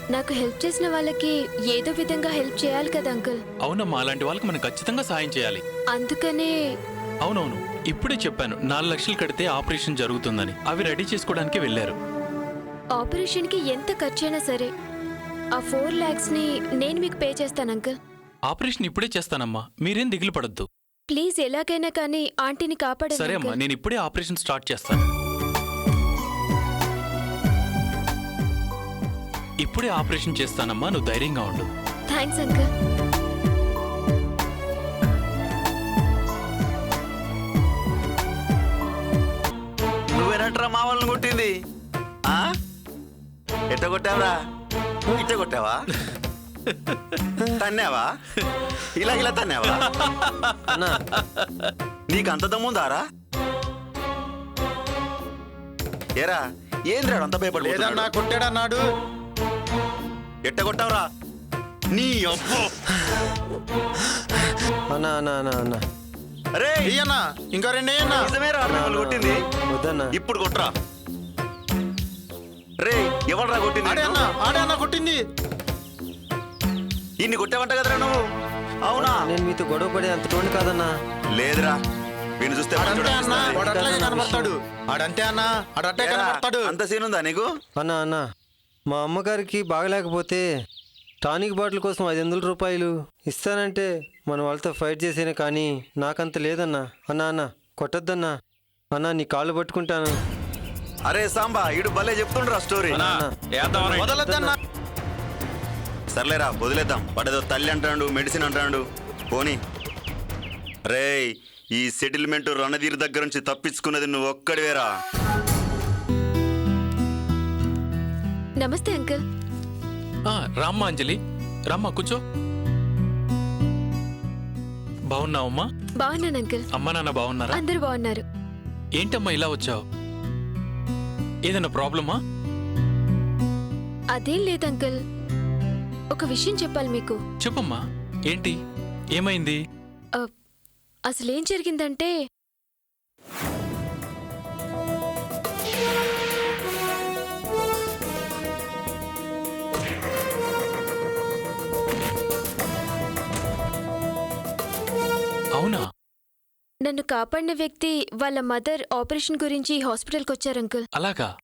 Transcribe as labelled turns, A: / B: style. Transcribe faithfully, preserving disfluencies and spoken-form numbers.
A: నాకు హెల్ప్ చేసిన వాళ్ళకి ఏదో విధంగా హెల్ప్ చేయాలి కదా అంకుల్.
B: అవునమ్మా, అలాంటి వాళ్ళకి మనం ఖచ్చితంగా సాయం చేయాలి.
A: అందుకనే
B: అవునవును, ఇప్పుడే చెప్పాను నాలుగు లక్షలు కడితే ఆపరేషన్ జరుగుతుందని. అవి రెడీ చేసుకోవడానికి వెళ్ళారు.
A: ఆపరేషన్కి ఎంత ఖర్చైనా సరే ఆ ఫోర్ ల్యాక్స్ ని నేను మీకు పే చేస్తాను అంకుల్.
B: ఆపరేషన్ ఇప్పుడే చేస్తానమ్మా, మీరేం దిగులు పడద్దు.
A: ప్లీజ్ ఎలాగైనా కానీ ఆంటీని కాపాడండి.
B: సరే అమ్మా,
A: అంకుల్.
B: నేను ఇప్పుడే ఆపరేషన్ స్టార్ట్ చేస్తాను. ఇప్పుడే ఆపరేషన్ చేస్తానమ్మా, నువ్వు ధైర్యంగా ఉండు.
A: Thanks uncle.
C: నువ్వేనట్రా మా వాళ్ళని కొట్టింది? ఆ? ఎట్ట కొట్టావరా? ఇట్ట కొట్టావా? తన్నావా? ఇలా ఇలా తన్నావా? నీకు అంత దమ్ముందారా? ఏరా ఏంద్రా అంత భయపడి
D: కొట్టాడన్నాడు.
C: ఎట్ట కొట్టావురా? నీ అబ్బో!
E: అన్నా అన్నా అన్నా అన్నా
C: అరే
D: అన్నా ఇంకా రెండే అన్నా.
C: నిజమేరా మిమ్మల్ని కొట్టింది?
E: వద్దన్నా.
C: ఇప్పుడు కొట్రా. రే ఎవడ్రా కొట్టింది?
D: ఆడే అన్నా ఆడే అన్నా కొట్టింది.
C: ఇన్ని కొట్టావంట కదరా నువ్వు? అవునా?
E: నేను మీతో గొడవ పడే అంత టోన్ కాదన్నా.
C: లేదురా, వీణు చూస్తే
D: ఆడంతే అన్నా
C: మంచోడు
D: వాడు అట్లాగే
E: అనిపిస్తుంది.
D: కనబడతాడు. ఆడంతే అన్నా ఆడట్టే
C: ఏరా,
D: కనబడతాడు.
C: అంత సీన్ ఉందా నీకు?
E: అన్నా అన్నా మా అమ్మగారికి బాగలేకపోతే టానిక్ బాటిల్ కోసం ఐదు వందల రూపాయలు ఇస్తానంటే మన వాళ్ళతో ఫైట్ చేసేనే కానీ నాకంత లేదన్నా. అన్నా అన్నా కొట్టద్దన్నా. అన్నా నీ కాళ్ళు పట్టుకుంటాను.
C: అరే సాంబా ఇడు భలే చెప్తుండ్రా స్టోరీ.
D: వదలొద్దన్నా.
C: సర్లేరా వదిలేద్దాం. వాడేదో తల్లి అంటాడు, మెడిసిన్ అంటాడు. పోనీ రేయ్, ఈ సెటిల్మెంట్ రణధీర్ దగ్గర నుంచి తప్పించుకున్నది నువ్వు ఒక్కడివేరా.
A: నమస్తే అంకుల్.
B: ఆ, రామ్మా అంజలి, రామ్మా కూర్చో. బాగున్నావమ్మా?
A: బాగున్నాను అంకుల్.
B: అమ్మా నాన్న బాగున్నారా?
A: అందరూ బాగున్నారు.
B: ఏంటమ్మా ఇలా వచ్చావు? ఏదైనా ప్రాబ్లమా?
A: అదేం లేదు అంకుల్. ఒక విషయం చెప్పాలి మీకు.
B: చెప్పమ్మా, ఏంటి, ఏమైంది?
A: ఆ, అసలేం జరిగిందంటే
B: అవునా?
A: నన్ను కాపాడిన వ్యక్తి వాళ్ళ మదర్ ఆపరేషన్ గురించి హాస్పిటల్కి వచ్చారు అంకుల్.
B: అలాగా?